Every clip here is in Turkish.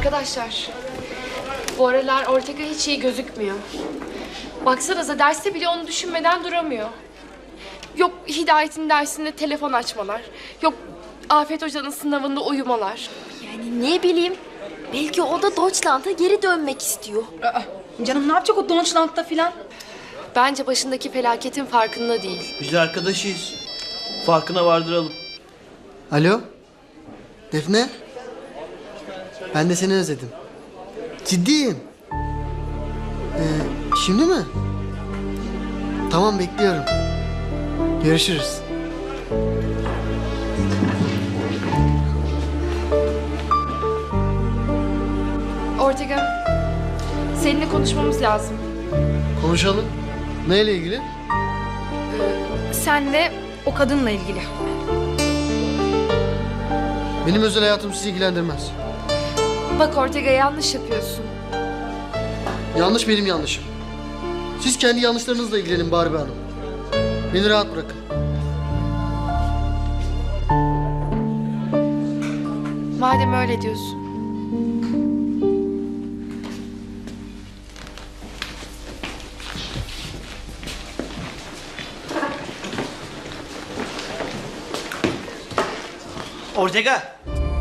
Arkadaşlar, bu aralar Ortega hiç iyi gözükmüyor. Baksanıza derste bile onu düşünmeden duramıyor. Yok Hidayet'in dersinde telefon açmalar. Yok Afet Hoca'nın sınavında uyumalar. Yani ne bileyim, belki o da Deutschland'a geri dönmek istiyor. Canım ne yapacak o Deutschland'da filan? Bence başındaki felaketin farkında değil. Biz arkadaşıyız. Farkına vardıralım. Alo? Defne? Ben de seni özledim. Ciddiyim. Şimdi mi? Tamam, bekliyorum. Görüşürüz. Ortega, seninle konuşmamız lazım. Konuşalım. Neyle ilgili? Senle o kadınla ilgili. Benim özel hayatım sizi ilgilendirmez. Bak Ortega, yanlış yapıyorsun. Yanlış benim yanlışım. Siz kendi yanlışlarınızla ilgilenin Barbie Hanım. Beni rahat bırakın. Madem öyle diyorsun. Ortega,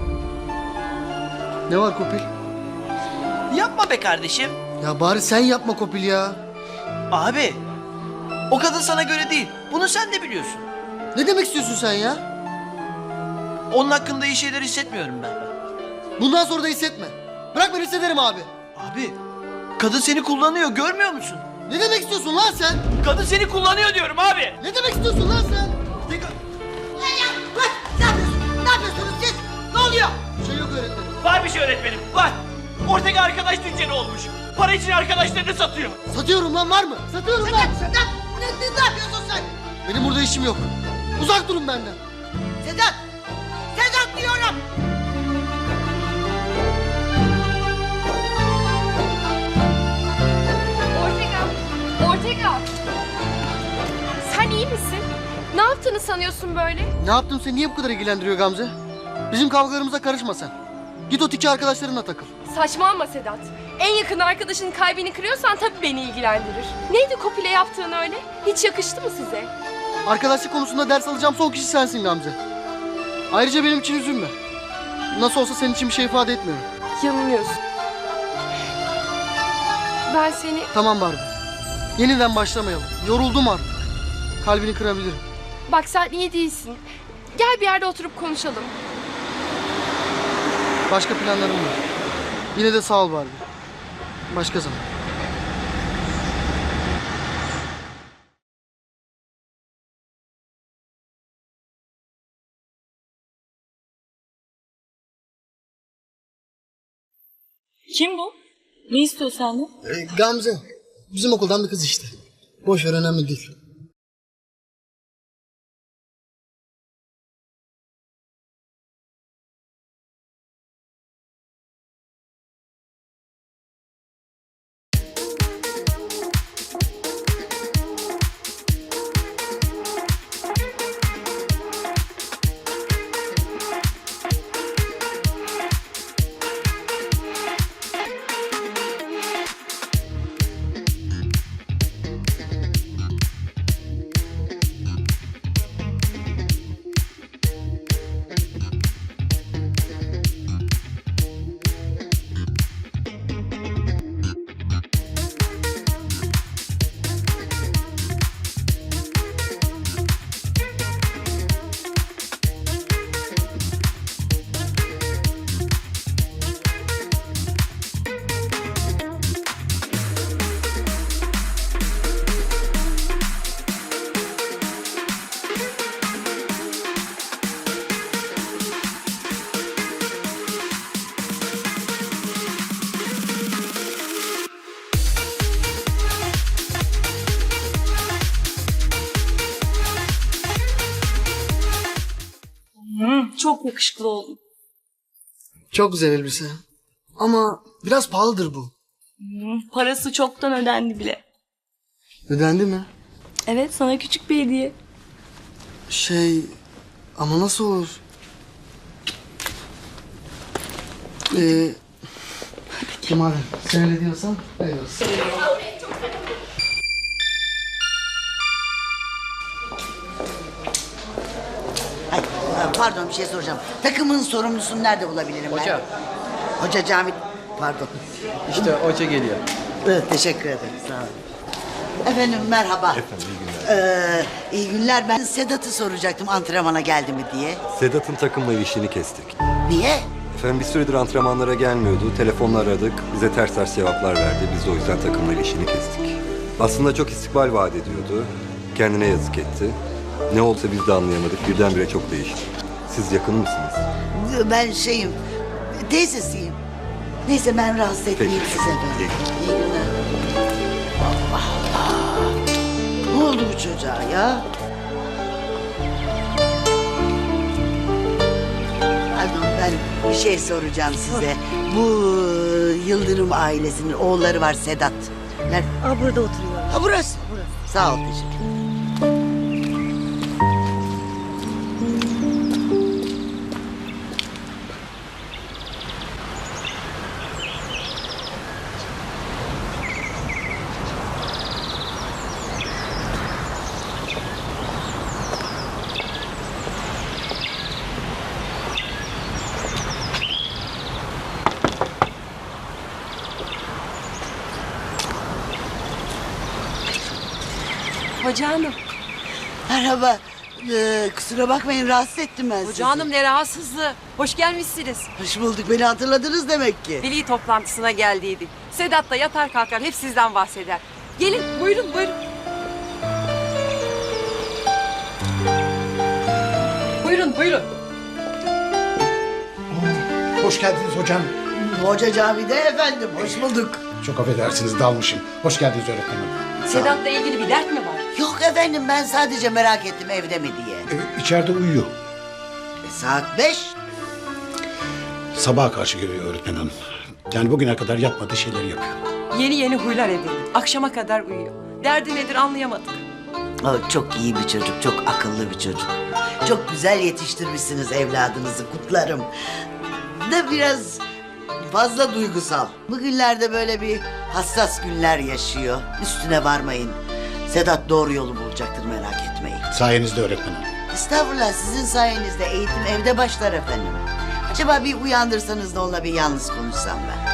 Ne var Kopil? yapma be kardeşim. Ya bari sen yapma Kopil ya. Abi, o kadın sana göre değil. Bunu sen de biliyorsun. Ne demek istiyorsun sen ya? Onun hakkında iyi şeyler hissetmiyorum ben. Bundan sonra da hissetme. Bırak ben hissederim abi. Abi, kadın seni kullanıyor, görmüyor musun? Ne demek istiyorsun lan sen? Kadın seni kullanıyor diyorum abi. Ne demek istiyorsun lan sen? Ne Ne yapıyorsunuz siz? Ne oluyor? Bir şey yok öğretmenim. Var bir şey öğretmenim, var. Ortega arkadaş tüccarı olmuş. Para için arkadaşlarını satıyor. Satıyorum lan, var mı? Satıyorum lan. Sedat! Ne yapıyorsun sen? Benim burada işim yok. Uzak durun benden. Sedat! Sedat diyorum! Ortega! Sen iyi misin? Ne yaptığını sanıyorsun böyle? Ne yaptım seni niye bu kadar ilgilendiriyor Gamze? Bizim kavgalarımıza karışma sen. Git o tiki arkadaşlarınla takıl. Saçmalama Sedat. En yakın arkadaşının kalbini kırıyorsan tabii beni ilgilendirir. Neydi Kopil'e yaptığın öyle? Hiç yakıştı mı size? Arkadaşlık konusunda ders alacağım son kişi sensin Gamze. Ayrıca benim için üzülme. Nasıl olsa senin için bir şey ifade etmiyorum. Yanılıyorsun. Ben seni... Tamam Barbie. Yeniden başlamayalım. Yoruldum artık. Kalbini kırabilirim. Bak sen iyi değilsin. Gel bir yerde oturup konuşalım. Başka planlarım var. Yine de sağ ol Barbie. Başka zaman. Kim bu? Ne istiyor senden? Gamze. Bizim okuldan bir kız işte. Boş ver, önemli değil. Çok yakışıklı oldun. Çok güzel elbise. Ama biraz pahalıdır bu. Parası çoktan ödendi bile. Ödendi mi? Evet, sana küçük bir hediye. Ama nasıl olur? Madem sen öyle diyorsan öyle olsun. Ay, pardon bir şey soracağım. Takımın sorumlusunu nerede bulabilirim ben? Hoca. Hoca Cavit. Pardon. İşte hoca geliyor. Evet, teşekkür ederim. Sağ olun. Efendim merhaba. Efendim iyi günler. İyi günler. Ben Sedat'ı soracaktım antrenmana geldi mi diye. Sedat'ın takımla ilişkini kestik. Niye? Efendim bir süredir antrenmanlara gelmiyordu. Telefonla aradık. Bize ters ters cevaplar verdi. Biz de o yüzden takımla ilişkini kestik. Aslında çok istikbal vaat ediyordu. Kendine yazık etti. Ne olsa biz de anlayamadık. Birdenbire çok değişti. Siz yakın mısınız? Ben şeyim, teyzesiyim. Neyse ben rahatsız etmeyeyim Peki. size ben. İyi. İyi günler. Allah Allah. Ne oldu bu çocuğa ya? Pardon ben bir şey soracağım size. Bu Yıldırım ailesinin oğulları var Sedat. Nerede? Burada oturuyor. Ha burası. Sağ ol teşekkür ederim. Hoca hanım. Merhaba. Kusura bakmayın rahatsız ettim ben sizi. Hoca hanım ne rahatsızlığı. Hoş gelmişsiniz. Hoş bulduk. Beni hatırladınız demek ki. Veli toplantısına geldiydik. Sedat da yatar kalkar hep sizden bahseder. Gelin buyurun buyurun. Buyurun buyurun. Hoş geldiniz hocam. Hoca Cavide efendim. Hoş bulduk. Çok affedersiniz dalmışım. Hoş geldiniz öğretmenim. Sedat'la ilgili bir dert mi var? Yok efendim ben sadece merak ettim evde mi diye. İçeride uyuyor. Saat 5. Sabaha karşı geliyor öğretmen hanım. Yani bugüne kadar yapmadığı şeyleri yapıyor. Yeni yeni huylar edindi. Akşama kadar uyuyor. Derdi nedir anlayamadık. O çok iyi bir çocuk. Çok akıllı bir çocuk. Çok güzel yetiştirmişsiniz evladınızı. Kutlarım. Da biraz fazla duygusal. Bugünlerde böyle bir hassas günler yaşıyor. Üstüne varmayın. Sedat doğru yolu bulacaktır merak etmeyin. Sayenizde öğretmen hanım. Estağfurullah sizin sayenizde eğitim evde başlar efendim. Acaba bir uyandırsanız da onunla bir yalnız konuşsam ben.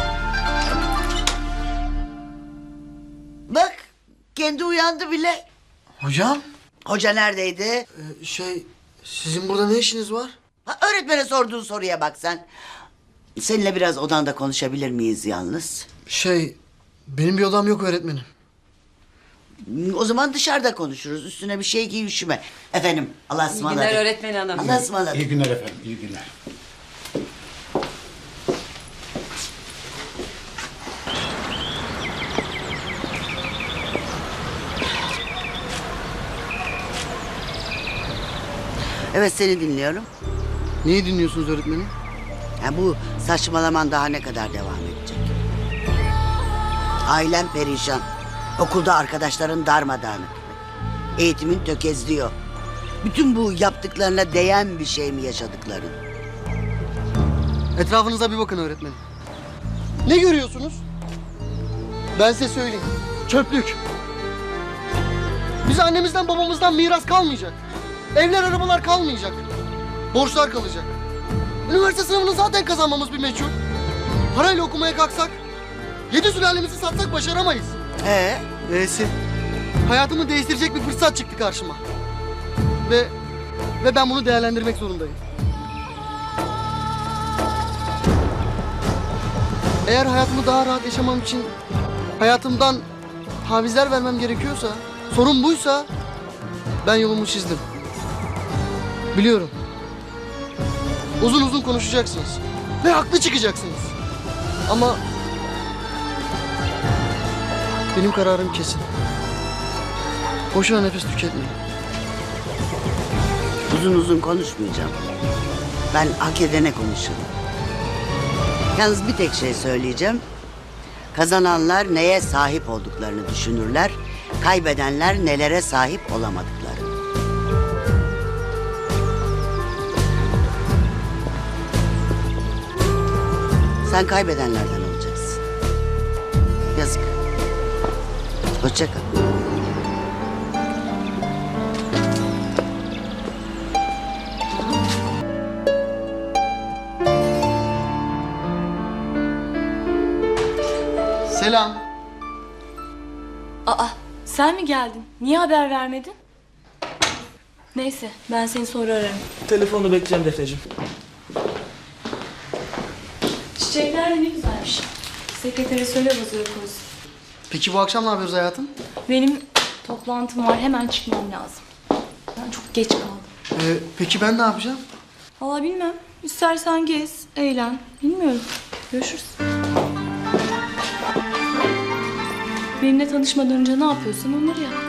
Bak kendi uyandı bile. Hocam Hoca neredeydi? sizin burada ne işiniz var? Ha, öğretmene sorduğun soruya bak sen. Seninle biraz odanda konuşabilir miyiz yalnız? Benim bir odam yok öğretmenim. O zaman dışarıda konuşuruz. Üstüne bir şey giy üşüme. Efendim Allah'a İyi ısmarladık. günler öğretmen hanım. Allah'a ısmarladık. İyi günler efendim, iyi günler. Evet seni dinliyorum. Neyi dinliyorsunuz öğretmenim? Ha, bu saçmalaman daha ne kadar devam edecek? Ailen perişan. Okulda arkadaşların darmadağınık. Eğitimin tökezliyor. Bütün bu yaptıklarına değen bir şey mi yaşadıkların? Etrafınıza bir bakın öğretmenim. Ne görüyorsunuz? Ben size söyleyeyim. Çöplük. Bize annemizden babamızdan miras kalmayacak. Evler arabalar kalmayacak. Borçlar kalacak. Üniversite sınavını zaten kazanmamız bir meçhul. Parayla okumaya kalksak 7 sülalemizi satsak başaramayız. Neyse. Hayatımı değiştirecek bir fırsat çıktı karşıma. Ve ben bunu değerlendirmek zorundayım. Eğer hayatımı daha rahat yaşamam için hayatımdan tavizler vermem gerekiyorsa, sorun buysa ben yolumu çizdim. Biliyorum. Uzun uzun konuşacaksınız ve haklı çıkacaksınız. Ama benim kararım kesin. Boşuna nefes tüketmeyin. Uzun uzun konuşmayacağım. Ben hak edene konuşurum. Yalnız bir tek şey söyleyeceğim. Kazananlar neye sahip olduklarını düşünürler. Kaybedenler nelere sahip olamadıklarını. Sen kaybedenlerden olacaksın. Yazık. Hoşça kal. Selam. Aa, sen mi geldin? Niye haber vermedin? Neyse, ben seni sonra ararım. Telefonu bekleyeceğim Defneciğim. Çiçekler de ne güzelmiş. Sekretere söyle vazoya koysun. Peki bu akşam ne yapıyoruz hayatım? Benim toplantım var, hemen çıkmam lazım. Ben çok geç kaldım. Peki ben ne yapacağım? Valla bilmem. İstersen gez, eğlen. Bilmiyorum. Görüşürüz. Benimle tanışmadan önce ne yapıyorsun onları yap.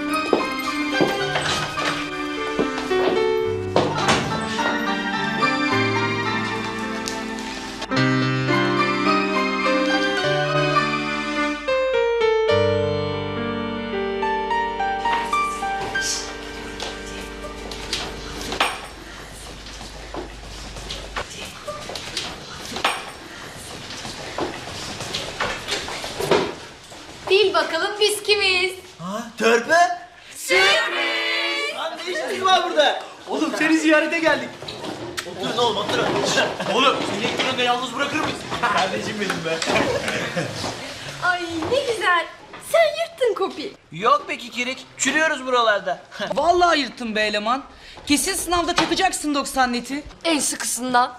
Bil bakalım biz kimiz? Ha, törpü? Sürpriz! Lan ne işiniz var burada? Oğlum seni ziyarete geldik. Oturun oğlum oturun. Oğlum seni ilk gününde yalnız bırakır mıyız? Kardeşim benim be. Ay ne güzel. Sen yırttın Kopi. Yok be kikirik. Çürüyoruz buralarda. Vallahi yırttın be eleman. Kesin sınavda takacaksın 90 neti. En sıkısından.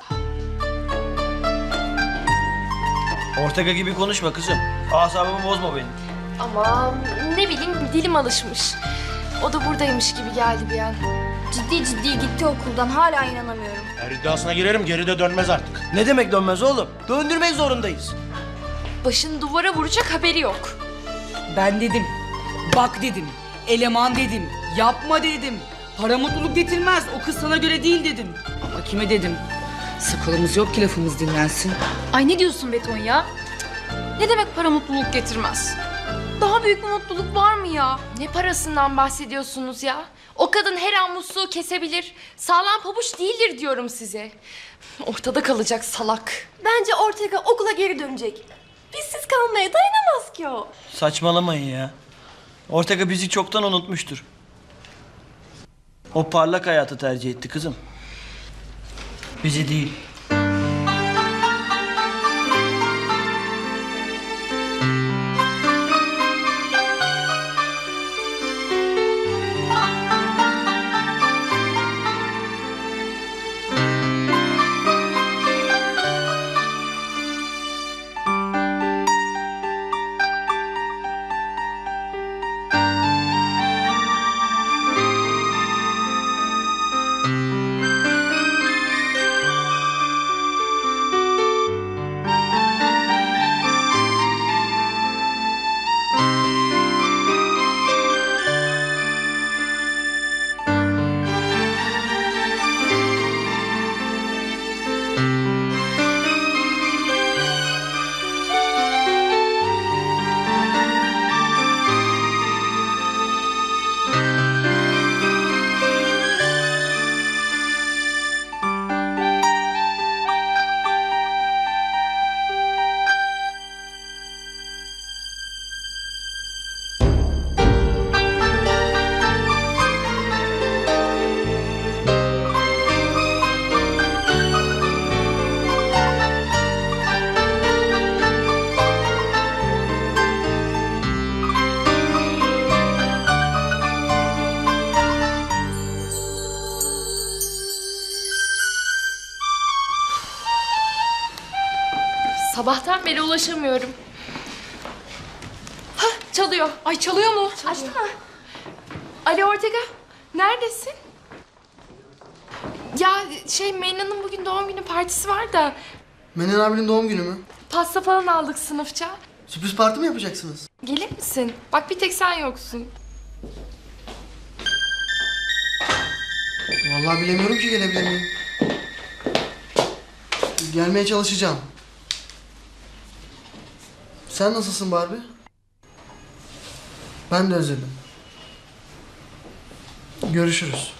Ortega gibi konuşma kızım. Asabımı bozma benim. Ama ne bileyim dilim alışmış. O da buradaymış gibi geldi bir an. Ciddi ciddi gitti okuldan hala inanamıyorum. Her iddiasına girerim geri de dönmez artık. Ne demek dönmez oğlum? Döndürmek zorundayız. Başını duvara vuracak haberi yok. Ben dedim. Bak dedim. Eleman dedim. Yapma dedim. Para mutluluk getirmez. O kız sana göre değil dedim. Ama kime dedim? Sakalımız yok ki lafımız dinlensin. Ay ne diyorsun Beton ya? Ne demek para mutluluk getirmez? Daha büyük bir mutluluk var mı ya? Ne parasından bahsediyorsunuz ya? O kadın her an musluğu kesebilir. Sağlam pabuç değildir diyorum size. Ortada kalacak salak. Bence Ortega okula geri dönecek. Bizsiz kalmaya dayanamaz ki o. Saçmalamayın ya. Ortega bizi çoktan unutmuştur. O parlak hayatı tercih etti kızım. Bizi değil. Sabahtan beri ulaşamıyorum. Hah, çalıyor. Ay çalıyor mu? Açsana. Ali Ortega, neredesin? Ya Meyna'nın bugün doğum günü partisi var da Menen abinin doğum günü mü? pasta falan aldık sınıfça. Sürpriz parti mi yapacaksınız? Gelir misin? Bak bir tek sen yoksun. Vallahi bilemiyorum ki gelebilir miyim. Gelmeye çalışacağım. Sen nasılsın Barbie? Ben de özledim. Görüşürüz.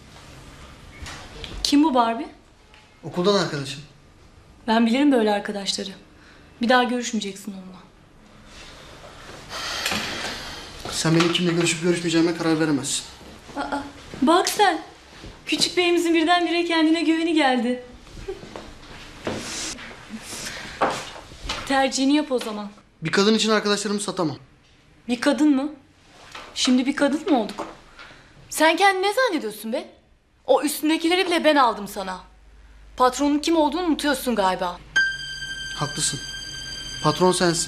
Kim bu Barbie? Okuldan arkadaşım. Ben bilirim böyle arkadaşları. Bir daha görüşmeyeceksin onunla. Sen benim kimle görüşüp görüşmeyeceğime karar veremezsin. Bak sen. Küçük beyimizin birdenbire kendine güveni geldi. Tercihini yap o zaman. Bir kadın için arkadaşlarımı satamam. Bir kadın mı? Şimdi bir kadın mı olduk? Sen kendini ne zannediyorsun be? O üstündekileri bile ben aldım sana. Patronun kim olduğunu unutuyorsun galiba. Haklısın. Patron sensin.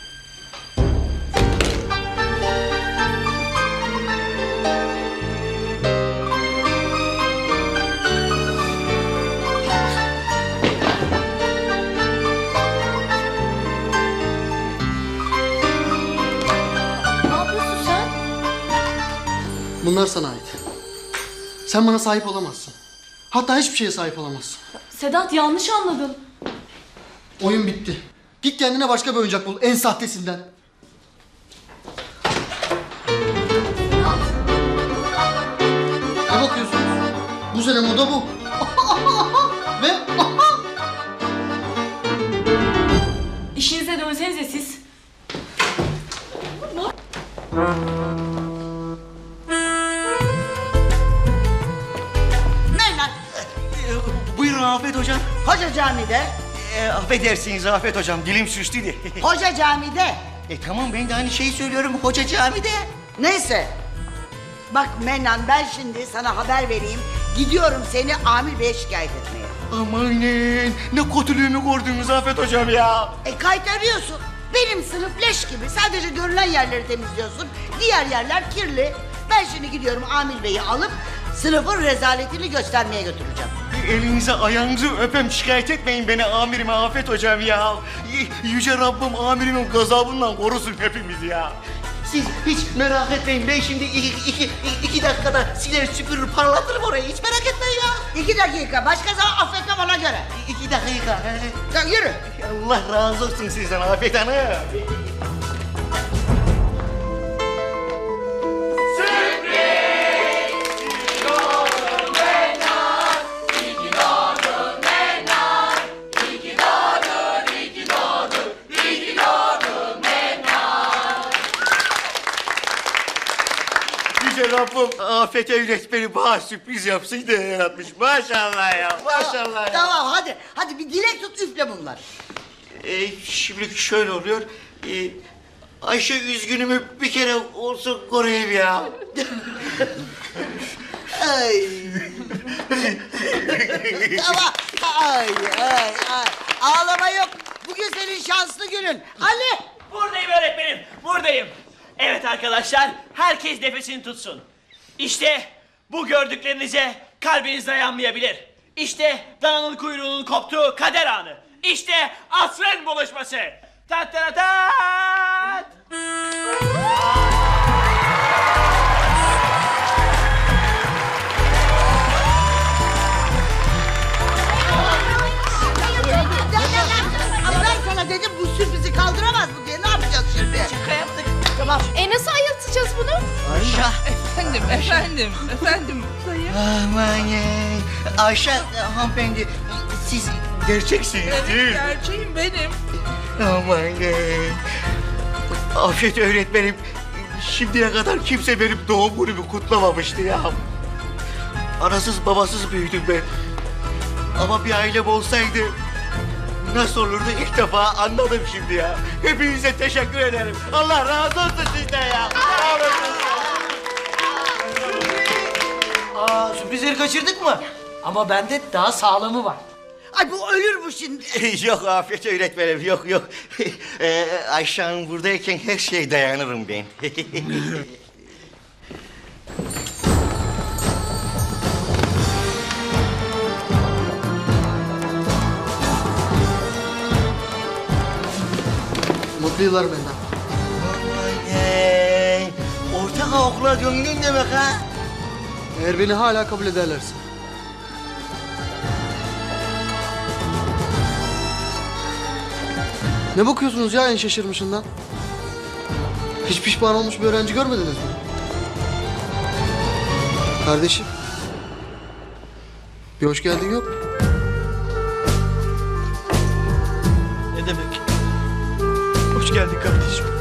Ne yapıyorsun sen? Bunlar sana ait. Sen bana sahip olamazsın. Hatta hiçbir şeye sahip olamazsın. Sedat yanlış anladın. Oyun bitti. Git kendine başka bir oyuncak bul. En sahtesinden. Ne bakıyorsunuz? Bu sene moda bu. Ve İşinize dönsenize siz. Ne lan? Buyurun Afet Hocam. Hoca camide. Affedersiniz Afet Hocam, dilim sürçtüydü. Hoca camide. Tamam, ben de aynı şeyi söylüyorum, hoca camide. Neyse. Bak Mennan, ben şimdi sana haber vereyim. Gidiyorum seni Amir Bey'e şikayet etmeye. Amanın, ne kötülüğümü gördünüz Afet Hocam ya. Kaytarıyorsun. Benim sınıf leş gibi. Sadece görülen yerleri temizliyorsun. Diğer yerler kirli. Ben şimdi gidiyorum Amir Bey'i alıp sınıfın rezaletini göstermeye götüreceğim. Elinize ayağınızı öpem, şikayet etmeyin beni amirime Afet Hocam ya. Yüce Rabbim amirimin gazabından korusun hepimizi ya. Siz hiç merak etmeyin, ben şimdi iki dakikada siler süpürür parlatırım orayı, hiç merak etmeyin ya. 2 dakika. Başka zaman affetmem ona göre. 2 dakika. Sen yürü. Allah razı olsun sizden Afet Hanım. Yüce Rabbim Afet öğretmeni bana sürpriz yapsın diye yaratmış. Maşallah ya, maşallah ya. Tamam hadi. Hadi bir dilek tut, üfle bunlar. Şimdi şöyle oluyor. Ayşe üzgünümü bir kere olsun koruyayım ya. Ay. Tamam. Ay. Ağlama yok. Bugün senin şanslı günün. Ali. Buradayım öğretmenim, buradayım. Evet arkadaşlar, herkes nefesini tutsun. İşte bu gördüklerinize kalbiniz dayanmayabilir. İşte dananın kuyruğunun koptuğu kader anı. İşte asrın buluşması. Tat tat tat. Ama ben sana dedim bu sürprizi kaldıramaz bu diye. Ne yapacağız şimdi? Şaka yaptık. Tamam. Nasıl ayıltacağız bunu? Ayşe. Efendim. Aman Ayşe hanımefendi, siz gerçeksiniz değil mi? Gerçeğim benim. Aman Afet öğretmenim, şimdiye kadar kimse benim doğum günümü kutlamamıştı ya. Anasız babasız büyüdüm ben. Ama bir ailem olsaydı nasıl olurdu ilk defa anladım şimdi ya. Hepinize teşekkür ederim. Allah razı olsun sizden ya. Sağ olasın. Sürprizleri kaçırdık mı? Ama bende daha sağlamı var. Ay bu ölür bu şimdi. Yok Afet öğretmenim, yok. Ayşe Hanım buradayken her şeye dayanırım ben. Mutlu yıllar benden. Ortak okula döndün demek ha? Eğer beni hala kabul ederlerse. Ne bakıyorsunuz ya en şaşırmışından? Hiç pişman olmuş bir öğrenci görmediniz mi? Kardeşim. Bir hoş geldin yok. Ne demek? Hoş geldin kardeşim.